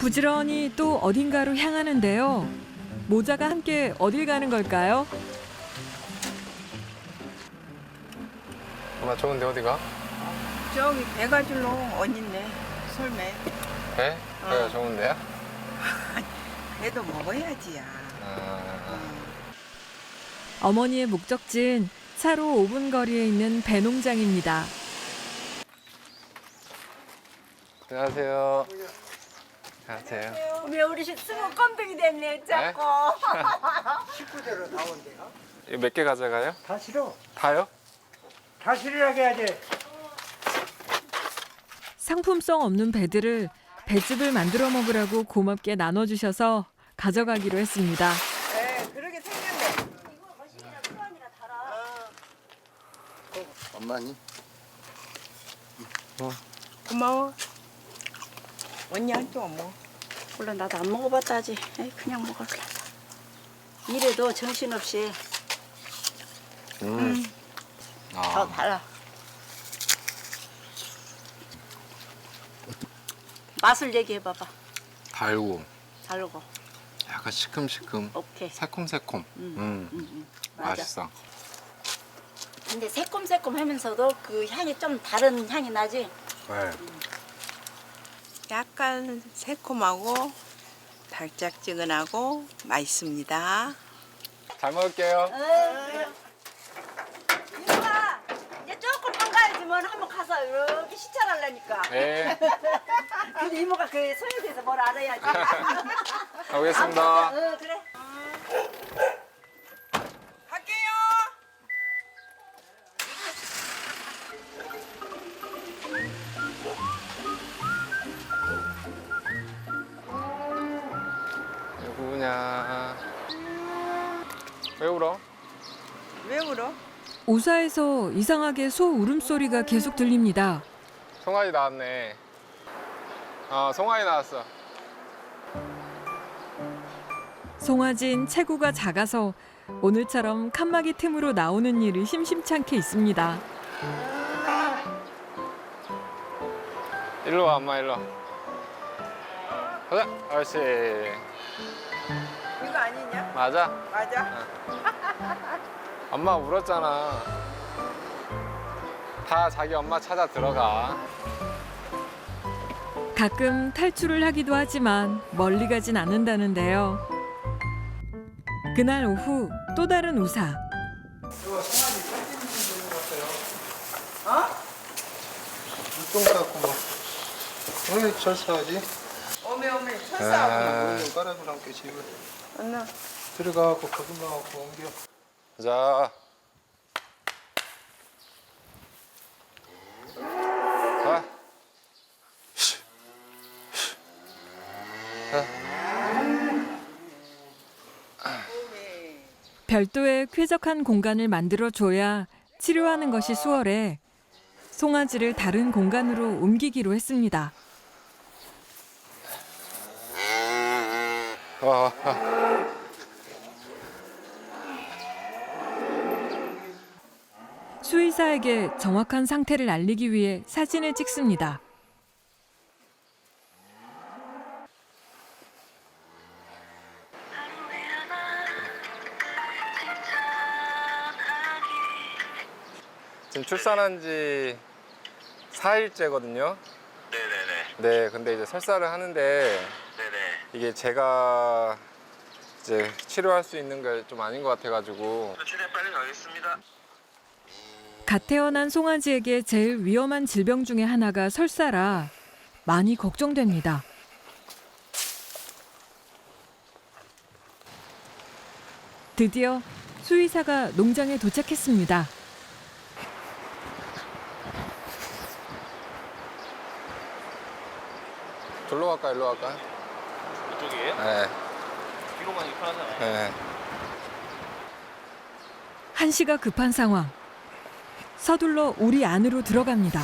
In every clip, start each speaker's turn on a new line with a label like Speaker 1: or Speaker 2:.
Speaker 1: 부지런히 또 어딘가로 향하는데요. 모자가 함께 어딜 가는 걸까요?
Speaker 2: 엄마 좋은데 어디 가?
Speaker 3: 저기 배가줄로 언니네 솔매.
Speaker 2: 배? 배가 좋은데요?
Speaker 3: 배도 먹어야지야.
Speaker 1: 어머니의 목적지는 차로 5분 거리에 있는 배농장입니다.
Speaker 2: 안녕하세요. 안녕하세요.
Speaker 4: 왜 우리 스무 껌둥이 됐네 자꾸.
Speaker 5: 식구대로 나온대요.
Speaker 2: 이거 몇 개 가져가요?
Speaker 5: 다 싫어.
Speaker 2: 다요?
Speaker 5: 다 싫으라고 해야지.
Speaker 1: 상품성 없는 배들을 배즙을 만들어 먹으라고 고맙게 나눠주셔서 가져가기로 했습니다.
Speaker 3: 네, 그러게 생겼네.
Speaker 5: 엄마니?
Speaker 3: 고마워. 언니한테 뭐.
Speaker 4: 물론 나도 안 먹어봤다지. 에이, 그냥 먹을래. 이래도 정신없이 더 달라. 맛을 얘기해봐봐.
Speaker 2: 달고
Speaker 4: 다르고.
Speaker 2: 약간 시큼시큼
Speaker 4: 오케이.
Speaker 2: 새콤새콤.
Speaker 4: 맞아.
Speaker 2: 맛있어.
Speaker 4: 근데 새콤새콤하면서도 그 향이 좀 다른 향이 나지.
Speaker 2: 네.
Speaker 3: 약간 새콤하고 달짝지근하고 맛있습니다.
Speaker 2: 잘 먹을게요.
Speaker 4: 이모가 이제 조금만 가야지 뭐 한번 가서 이렇게 시찰하려니까.
Speaker 2: 네.
Speaker 4: 근데 이모가 그 소유에 대해서 뭘 알아야지.
Speaker 2: 가보겠습니다.
Speaker 4: 그래.
Speaker 3: 갈게요.
Speaker 2: 누구냐? 왜 울어?
Speaker 3: 왜 울어?
Speaker 1: 우사에서 이상하게 소 울음소리가 계속 들립니다.
Speaker 2: 송아지 나왔네. 송아지 나왔어.
Speaker 1: 송아진 체구가 작아서 오늘처럼 칸막이 틈으로 나오는 일이 심심찮게 있습니다.
Speaker 2: 일로 와, 엄마 일로. 가자. 옳지.
Speaker 3: 이거 아니냐?
Speaker 2: 맞아.
Speaker 3: 맞아.
Speaker 2: 엄마 울었잖아. 다 자기 엄마 찾아 들어가.
Speaker 1: 가끔 탈출을 하기도 하지만 멀리 가진 않는다는데요. 그날 오후 또 다른 우사.
Speaker 5: 똥 닦고 뭐. 왜 절사하지?
Speaker 3: 오메 철사하고.
Speaker 5: 물 깔아주라 함께 집을.
Speaker 3: 언나.
Speaker 5: 들어가고 거짓말 하고 옮겨.
Speaker 2: 자. 자.
Speaker 1: 별도의 쾌적한 공간을 만들어줘야 치료하는 것이 수월해 송아지를 다른 공간으로 옮기기로 했습니다.
Speaker 2: 와.
Speaker 1: 수의사에게 정확한 상태를 알리기 위해 사진을 찍습니다.
Speaker 2: 지금 출산한 지 4일째거든요.
Speaker 6: 네네네.
Speaker 2: 네, 근데 이제 설사를 하는데
Speaker 6: 네네.
Speaker 2: 이게 제가 이제 치료할 수 있는 게 좀 아닌 것 같아가지고.
Speaker 6: 최대한 빨리 가겠습니다.
Speaker 1: 갓 태어난 송아지에게 제일 위험한 질병 중에 하나가 설사라 많이 걱정됩니다. 드디어 수의사가 농장에 도착했습니다.
Speaker 2: 절로 갈까, 일로 갈까?
Speaker 6: 이쪽이에요?
Speaker 2: 네.
Speaker 6: 뒤로 가는 게 편하잖아요.
Speaker 2: 네.
Speaker 1: 한시가 급한 상황. 서둘러 우리 안으로 들어갑니다.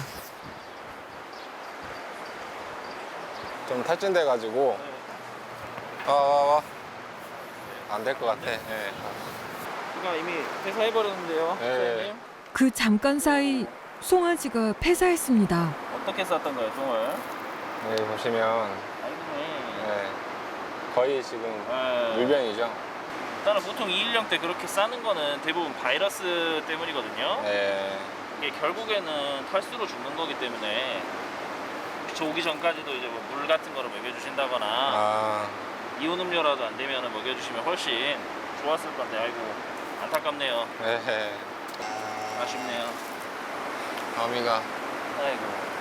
Speaker 2: 좀 탈진돼가지고. 와. 안 될 것 같아. 네.
Speaker 6: 이거 이미 회사해버렸는데요.
Speaker 2: 네.
Speaker 1: 그 잠깐 사이 송아지가 폐사했습니다.
Speaker 6: 어떻게 쌌던 거예요, 똥을?
Speaker 2: 여기 보시면
Speaker 6: 아이고,
Speaker 2: 네. 거의 지금
Speaker 6: 네.
Speaker 2: 물병이죠.
Speaker 6: 일단은 보통 2일령 때 그렇게 싸는 거는 대부분 바이러스 때문이거든요.
Speaker 2: 네.
Speaker 6: 이게 결국에는 탈수로 죽는 거기 때문에 저 오기 전까지도 이제 뭐 물 같은 거를 먹여주신다거나
Speaker 2: 아,
Speaker 6: 이온 음료라도 안 되면 먹여주시면 훨씬 좋았을 건데 아이고 안타깝네요.
Speaker 2: 네.
Speaker 6: 아쉽네요.
Speaker 2: 어미가
Speaker 6: 아이고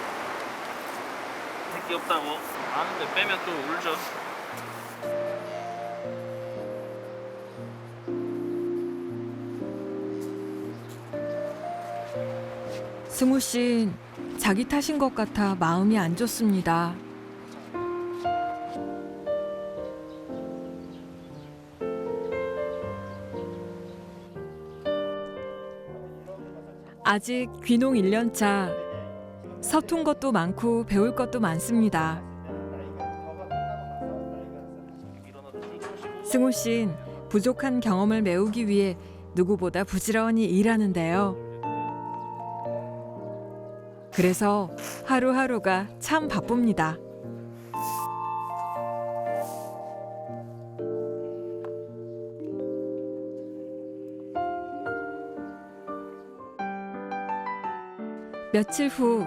Speaker 6: 새끼 없다고 아는데 빼면 또 울죠.
Speaker 1: 승우 씨는 자기 탓인 것 같아 마음이 안 좋습니다. 아직 귀농 1년 차. 서툰 것도 많고 배울 것도 많습니다. 승우 씨는 부족한 경험을 메우기 위해 누구보다 부지런히 일하는데요. 그래서 하루하루가 참 바쁩니다. 며칠 후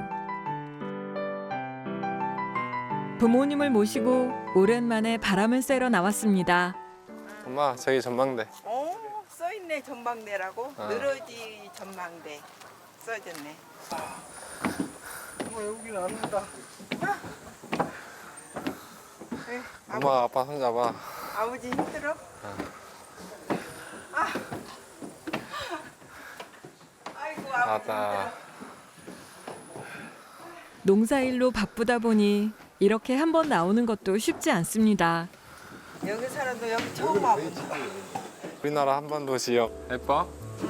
Speaker 1: 부모님을 모시고 오랜만에 바람을 쐬러 나왔습니다.
Speaker 2: 엄마 저기 전망대.
Speaker 3: 써있네 전망대라고.
Speaker 2: 아.
Speaker 3: 늘어지 전망대 써졌네.
Speaker 5: 여기는 안 온다.
Speaker 2: 엄마 아빠 손잡아.
Speaker 3: 아버지 힘들어? 아. 아이고 아버지
Speaker 2: 나왔다.
Speaker 3: 힘들어.
Speaker 1: 농사일로 바쁘다 보니 이렇게 한 번 나오는 것도 쉽지 않습니다.
Speaker 3: 여기 살아도 여기 처음 와보지.
Speaker 2: 우리나라 한반도 지역 예뻐?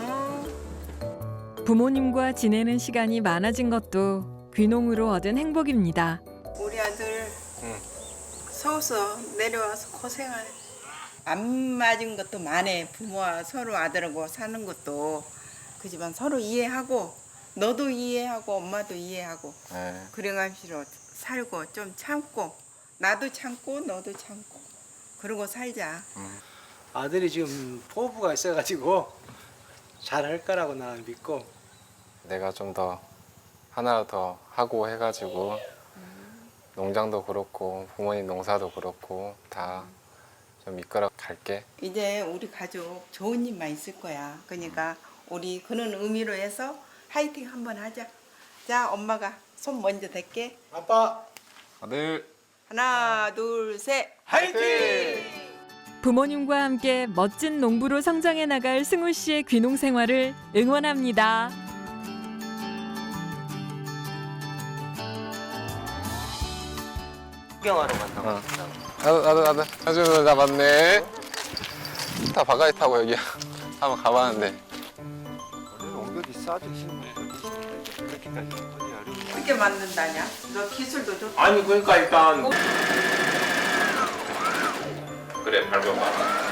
Speaker 1: 부모님과 지내는 시간이 많아진 것도 귀농으로 얻은 행복입니다.
Speaker 3: 우리 아들
Speaker 2: 응.
Speaker 3: 서울서 내려와서 고생하네. 안 맞은 것도 많네. 부모와 서로 아들하고 사는 것도 그지만 서로 이해하고 너도 이해하고 엄마도 이해하고
Speaker 2: 네.
Speaker 3: 그래가지고 살고 좀 참고 나도 참고 너도 참고 그러고 살자.
Speaker 5: 아들이 지금 포부가 있어가지고 잘할 거라고 나는 믿고.
Speaker 2: 내가 좀 더 하나 더 하고 해가지고 농장도 그렇고 부모님 농사도 그렇고 다 좀 이끌어 갈게.
Speaker 3: 이제 우리 가족 좋은 일만 있을 거야. 그러니까 우리 그런 의미로 해서 화이팅 한번 하자. 자, 엄마가 손 먼저 댈게.
Speaker 5: 아빠
Speaker 2: 아들
Speaker 3: 하나, 둘, 셋.
Speaker 5: 화이팅!
Speaker 1: 부모님과 함께 멋진 농부로 성장해 나갈 승우 씨의 귀농 생활을 응원합니다.
Speaker 6: 구경하러 간다고.
Speaker 2: 나도 아주 잡았네. 다 바가지 타고 여기 한번 가봤는데
Speaker 5: 엉덩이 싸주시면 이렇게까지
Speaker 3: 어떻게 만든다냐? 너 기술도 좋다.
Speaker 6: 아니 그러니까 일단 그래 밟아봐.